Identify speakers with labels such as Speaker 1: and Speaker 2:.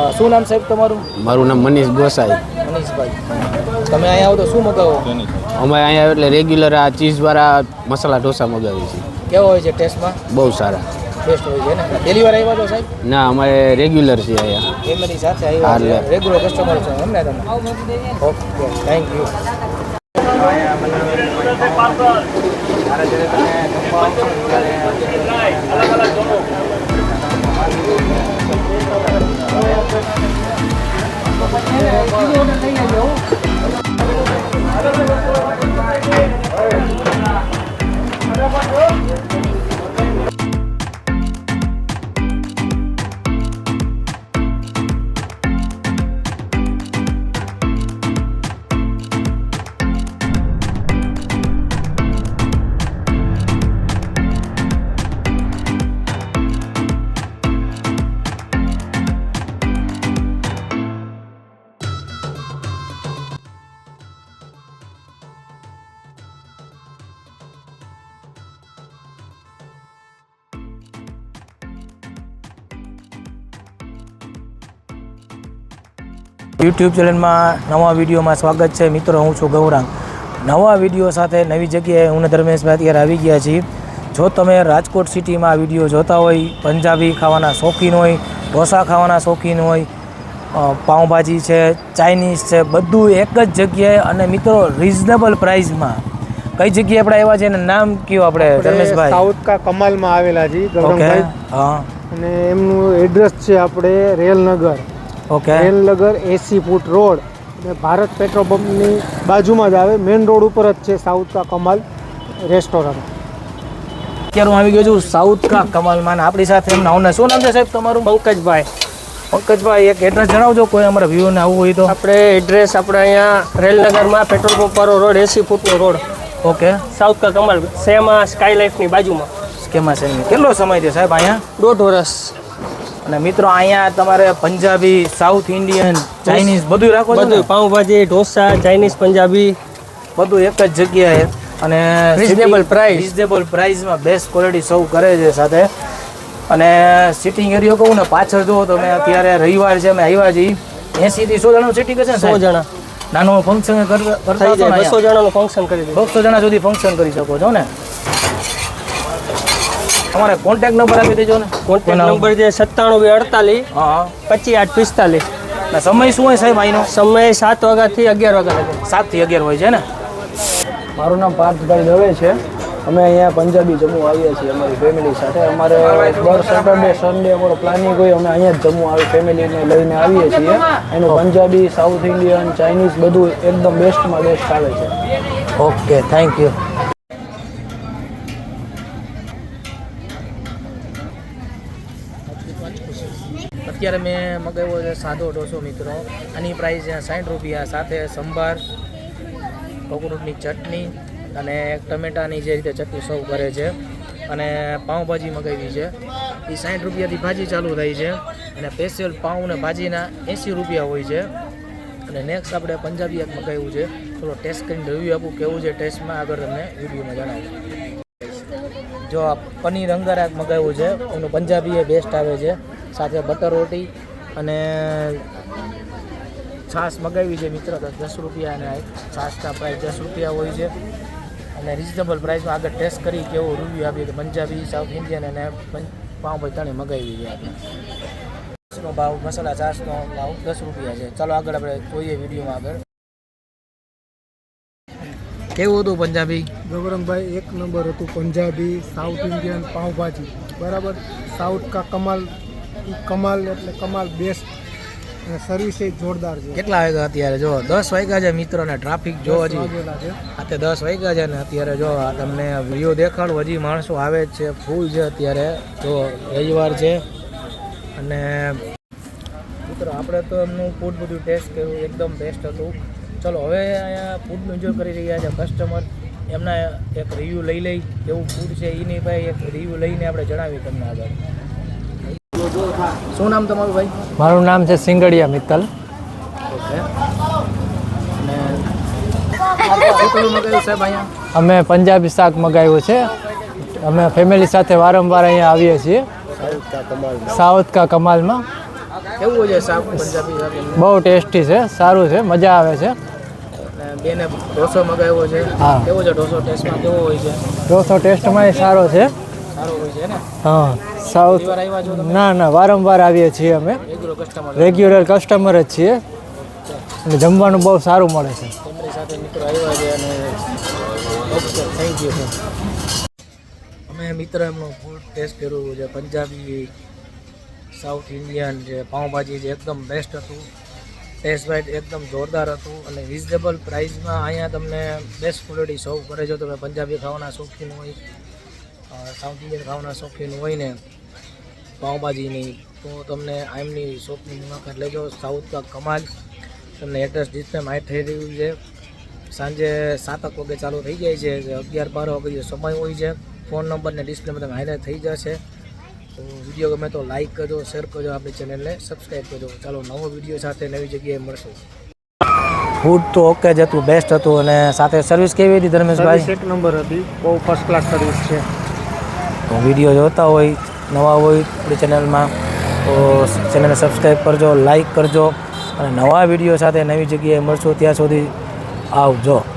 Speaker 1: શું નામ સાહેબ તમારું?
Speaker 2: મારું નામ મનીષ ગોસાઈ.
Speaker 1: મનીષભાઈ, તમે અહીંયા આવો તો શું મગાવો?
Speaker 2: અમે અહીંયા એટલે રેગ્યુલર આ ચીઝવાળા મસાલા ઢોસા મગાવીએ છીએ.
Speaker 1: કેવો હોય છે ટેસ્ટમાં?
Speaker 2: બહુ સારા
Speaker 1: ટેસ્ટ હોય છે ને? પહેલી વાર આવ્યા છો સાહેબ?
Speaker 2: ના, અમારે રેગ્યુલર છે અહીંયા.
Speaker 1: ફેમિલી સાથે આવ્યા છે, રેગ્યુલર કસ્ટમર છો એમ ને તમે? Okay, thank you. યુટ્યુબ ચેનલમાં નવા વિડીયોમાં સ્વાગત છે મિત્રો. હું છું ગૌરાંગ. નવા વિડીયો સાથે નવી જગ્યાએ હું ધર્મેશભાઈ અત્યારે આવી ગયા છીએ. જો તમે રાજકોટ સિટીમાં આ વિડીયો જોતા હોય, પંજાબી ખાવાના શોખીન હોય, ઢોસા ખાવાના શોખીન હોય, પાઉંભાજી છે, ચાઇનીઝ છે, બધું એક જ જગ્યાએ અને મિત્રો રિઝનેબલ પ્રાઇસમાં. કઈ જગ્યાએ આપણે આવ્યા છે એનું નામ કયો આપણે ધર્મેશભાઈ?
Speaker 3: સાઉથ કા કમાલમાં આવેલા છે ગૌરંગભાઈ.
Speaker 1: હા,
Speaker 3: અને એમનું એડ્રેસ છે આપણે Railnagar.
Speaker 1: Okay,
Speaker 3: Railnagar 80 foot road અને ભારત પેટ્રોલ પંપની બાજુમાં જ આવે. મેઇન રોડ ઉપર જ છે સાઉથ કા કમાલ રેસ્ટોરન્ટ.
Speaker 1: અત્યારે હું આવી ગયો છું સાઉથ કા કમાલમાં. આપણી સાથે એમના ઓનર, શું નામ છે સાહેબ તમારું?
Speaker 4: પંકજભાઈ.
Speaker 1: પંકજભાઈ, એક એડ્રેસ જણાવજો કોઈ અમારા વ્યૂને આવવું હોય તો.
Speaker 4: આપણે એડ્રેસ આપણે અહીંયા રેલનગરમાં પેટ્રોલ પંપ વાળો રોડ 80 ફૂટનો રોડ,
Speaker 1: ઓકે,
Speaker 4: સાઉથ કા કમાલ સેમાં સ્કાય લાઈફની બાજુમાં.
Speaker 1: સ્કેમા છે. કેટલો સમય છે સાહેબ અહીંયા?
Speaker 4: 1.5 વર્ષ.
Speaker 1: અને મિત્રો અહીંયા તમારે પંજાબી, સાઉથ ઇન્ડિયન, ચાઇનીઝ બધું રાખો છો?
Speaker 4: બધું પાઉંભાજી, ઢોસા, ચાઇનીઝ, પંજાબી
Speaker 1: બધું એક જ જગ્યાએ અને રિઝનેબલ પ્રાઇસમાં બેસ્ટ ક્વોલિટી સર્વ કરે છે સાથે. અને સિટિંગ એરિયો કહું ને, પાછળ જુઓ તમે, અત્યારે રવિવાર છે, અમે આવ્યા છીએ. 80 થી 100 જણાનું સિટિંગ હશે ને?
Speaker 4: 100 જણા
Speaker 1: નાનું ફંક્શન કરતા
Speaker 4: 200 જણાનું ફંક્શન કરી દે.
Speaker 1: 200 જણા સુધી ફંક્શન કરી શકો છો ને? તમારે કોન્ટેક્ટ નંબર આપી દેજો ને.
Speaker 4: કોન્ટેક્ટ નંબર છે 9748
Speaker 1: હા,
Speaker 4: 25845.
Speaker 1: ના સમય શું હોય સાહેબ અહીંનો?
Speaker 4: સમય 7 વાગ્યાથી 11 વાગ્યા લગે.
Speaker 1: 7 થી 11 હોય છે ને?
Speaker 5: મારું નામ પાર્થભાઈ દવે છે. અમે અહીંયા પંજાબી જમવું આવીએ છીએ અમારી ફેમિલી સાથે. અમારે દર સેટરડે સન્ડે અમારો પ્લાનિંગ હોય, અમે અહીંયા જ જમવું આવી ફેમિલીને લઈને આવીએ છીએ. એનું પંજાબી, સાઉથ ઇન્ડિયન, ચાઇનીઝ બધું એકદમ બેસ્ટમાં બેસ્ટ આવે છે.
Speaker 1: Okay, thank you. અત્યારે મેં મગાવ્યો છે સાદો ઢોસો મિત્રો. આની પ્રાઇસ છે 60 રૂપિયા, સાથે સંભાર, કોકોનટની ચટણી અને ટમેટાની જે રીતે ચટણી સર્વ કરે છે. અને પાઉંભાજી મગાવી છે, એ 60 રૂપિયાથી ભાજી ચાલુ થાય છે. અને સ્પેશિયલ પાઉં ને ભાજીના 80 રૂપિયા હોય છે. અને નેક્સ્ટ આપણે પંજાબી એક મગાવ્યું છે. થોડો ટેસ્ટ કરીને રિવ્યૂ આપું કેવું છે ટેસ્ટમાં, આગળ તમને વિડીયોમાં જણાવું. જો આ પનીર અંગારા મગાવ્યું છે, એનું પંજાબી એ બેસ્ટ આવે છે. સાથે બટર રોટી અને છાશ મગાવી છે મિત્રો, 10 રૂપિયા. અને છાશના પ્રાઇસ 10 રૂપિયા હોય છે. અને રિઝનેબલ પ્રાઇસમાં આગળ ટેસ્ટ કરી કેવો રિવ્યૂ આપીએ. પંજાબી, સાઉથ ઇન્ડિયન અને પાઉંભાજી ત્રણેય મગાવી છે આપણે. છાશનો ભાવ, મસાલા છાશનો ભાવ 10 રૂપિયા છે. ચાલો આગળ આપણે જોઈએ વિડીયોમાં આગળ. કેવું હતું પંજાબી?
Speaker 3: ગૌરંગભાઈ, એક નંબર હતું પંજાબી, સાઉથ ઇન્ડિયન, પાઉંભાજી બરાબર. સાઉથ કા કમાલ, કમાલ એટલે કમાલ બેસ્ટ. અને સર્વિસ એ જોરદાર છે.
Speaker 1: કેટલા વાગ્યા અત્યારે? જો 10 વાગ્યા છે મિત્રો. અને ટ્રાફિક જો હજી અત્યારે 10 વાગ્યા છે ને અત્યારે જો તમને વ્યૂ દેખાડું, હજી માણસો આવે જ છે, ફૂલ છે અત્યારે. જો રવિવાર છે. અને મિત્રો આપણે તો એમનું ફૂડ બધું ટેસ્ટ કર્યું, એકદમ બેસ્ટ હતું. ચલો હવે અહીંયા ફૂડનું એન્જોય કરી રહ્યા છે કસ્ટમર. એમના એક રિવ્યૂ લઈ લઈ, કેવું ફૂડ છે એની ભાઈ એક રિવ્યૂ લઈને આપણે જણાવીએ તમને આગળ. શું નામ તમારું ભાઈ?
Speaker 5: મારું નામ છે સિંગડિયા મિત્તલ.
Speaker 1: ઓકે. અને શું પેલું મગાવ્યું સાહેબ અહીંયા?
Speaker 5: અમે પંજાબી શાક મગાવ્યું છે. અમે ફેમિલી સાથે વારંવાર અહીંયા આવીએ છીએ સાઉથ કા કમાલમાં.
Speaker 1: કેવું હોય છે શાક પંજાબી શાક એમનું?
Speaker 6: બહુ ટેસ્ટી છે, સારું છે, મજા આવે છે.
Speaker 1: અને બેને ઢોસો મગાવ્યો છે.
Speaker 6: હા.
Speaker 1: કેવો છે ઢોસો? ટેસ્ટમાં કેવો હોય છે?
Speaker 6: ઢોસો ટેસ્ટમાં સારો છે.
Speaker 1: સારો હોય છે ને?
Speaker 6: હા, સાઉથ.
Speaker 1: ઘણી વાર આવ્યા છો તમે?
Speaker 6: ના, વારંવાર આવીએ છીએ અમે.
Speaker 1: રેગ્યુલર કસ્ટમર
Speaker 6: રેગ્યુલર કસ્ટમર જ છીએ અને જમવાનું બહુ સારું મળે છે.
Speaker 1: ફેમિલી સાથે મિત્રો આવ્યા છે અને ઓકે થેન્ક યુ. અમે મિત્ર એમનો ફૂડ ટેસ્ટ કર્યું છે. પંજાબી, સાઉથ ઇન્ડિયન જે પાઉંભાજી જે એકદમ બેસ્ટ હતું. ટેસ્ટ વાઇઝ એકદમ જોરદાર હતું અને રિઝનેબલ પ્રાઇસમાં અહીંયા તમને બેસ્ટ ક્વોલિટી સર્વ કરે છે. તમે પંજાબી ખાવાના શોખીન હોય, સાઉથ ઇન્ડિયન ખાવાના શોખીન હોય ને પાઉંભાજીની, તો તમને એમની શોપની મુલાકાત લેજો. સાઉથ કા કમાલ. તમને એડ્રેસ ડિસ્પ્લે માઇટ થઈ રહ્યું છે. સાંજે 7 વાગે ચાલુ થઈ જાય છે. 11-12 વાગે સમય હોય છે. ફોન નંબરને ડિસ્પ્લેમાં તમે હાઈલાઇટ થઈ જશે. તો વિડીયો ગમે તો લાઇક કરજો, શેર કરજો, આપણી ચેનલને સબસ્ક્રાઈબ કરજો. ચાલો નવો વિડીયો સાથે નવી જગ્યાએ મળશું. ફૂડ તો ઓકે જ હતું, બેસ્ટ હતું અને સાથે સર્વિસ કેવી હતી ધર્મેશભાઈ?
Speaker 3: એક નંબર હતી, બહુ ફર્સ્ટ ક્લાસ સર્વિસ છે.
Speaker 1: તો વિડીયો જોતા હોય, નવા હોય આપણી ચેનલમાં તો ચેનલને સબસ્ક્રાઈબ કરજો, લાઇક કરજો અને નવા વિડીયો સાથે નવી જગ્યાએ મળશું. ત્યાં સુધી આવજો.